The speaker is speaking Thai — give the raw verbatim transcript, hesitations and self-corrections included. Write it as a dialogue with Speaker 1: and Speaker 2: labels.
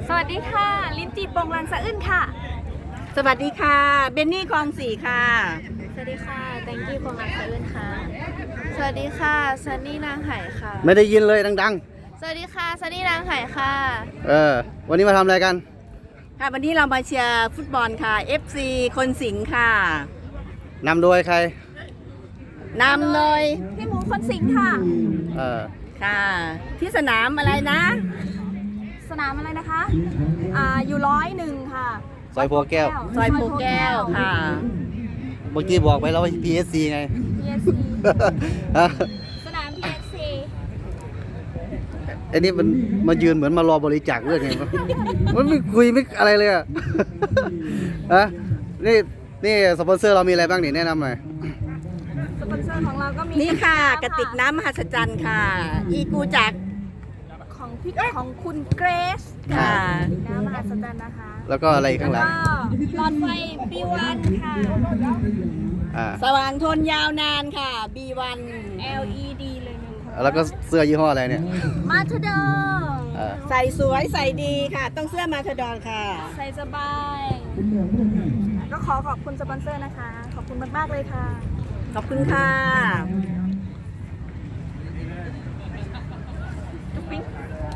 Speaker 1: สวัสดีค่ะลิ้นจี่โปงลังสะอื้นค่ะ
Speaker 2: สวัสดีค่ะเบนนี่คลองสี่ค่ะ
Speaker 1: สวัสดีค่ะแตงกี้โปงลังสะอื้นค่ะสวัสดีค่ะซันนี่นางไห่ค่ะ
Speaker 3: ไม่ได้ยินเลยดัง
Speaker 1: สวัสดีค่ะซันนี่นางไห่ค่ะ
Speaker 3: ๆเออวันนี้มาทำอะไรกัน
Speaker 2: ค่ะวันนี้เรามาเชียร์ฟุตบอลค่ะ เอฟ ซี คนสิงห์ค่ะ
Speaker 3: นำโดยใคร
Speaker 2: นำโดย
Speaker 1: พี่หมูคนสิงห์ค่ะ
Speaker 3: เออ
Speaker 2: ค่ะที่สนามอะไรนะ
Speaker 1: สนามอะไรนะคะอ่าอยู่ร้อยหนึ่งค่ะ
Speaker 3: ซอยโพแก้ว
Speaker 2: ซอยโพแก้วค่ะ
Speaker 3: เมื่อกี้บอกไปแล้วว่า พี เอส ซี ไง
Speaker 1: พี เอส ซี
Speaker 3: ฮะ
Speaker 1: สนาม พี เอส ซี
Speaker 3: ไอ้นี่มันมายืนเหมือนมารอบริจาคเรื่องไงวะมันไม่คุยไม่อะไรเลยอ่ะฮะนี่นี่สปอนเซอร์เรามีอะไรบ้างนี่แนะนำหน่อย
Speaker 1: สปอนเซอร์ของเราก็มี
Speaker 2: นี่ค่ะกระติกน้ำมหัศจรรย์ค่ะ อีกูจัก
Speaker 1: ของพี่ของคุณเกรซ
Speaker 2: ค่ะ
Speaker 1: น้ำมหัศจรรย์นะคะ
Speaker 3: แล้วก็อะไรข้างหลัง
Speaker 1: ก็หลอดไฟ บี วัน ค่ะ
Speaker 3: อ่า
Speaker 2: สว่างทนยาวนานค่ะ บี วัน
Speaker 1: แอล อี ดี เลยหนึ่งค่ะ
Speaker 3: แล้วก็เสื้อยี่ห้ออะไรเนี่ย
Speaker 1: มาทดอ
Speaker 3: อ่า
Speaker 2: ใส่สวยใส่ดีค่ะ ต้องเสื้อมาทดอนค่ะ
Speaker 1: ใส่สบาย ก็ขอขอบคุณสปอนเซอร์นะคะ ขอบคุณมาก ๆ เลยค่ะ
Speaker 2: ขอบคุณค่ะ
Speaker 1: จุ๊บปิ๊ง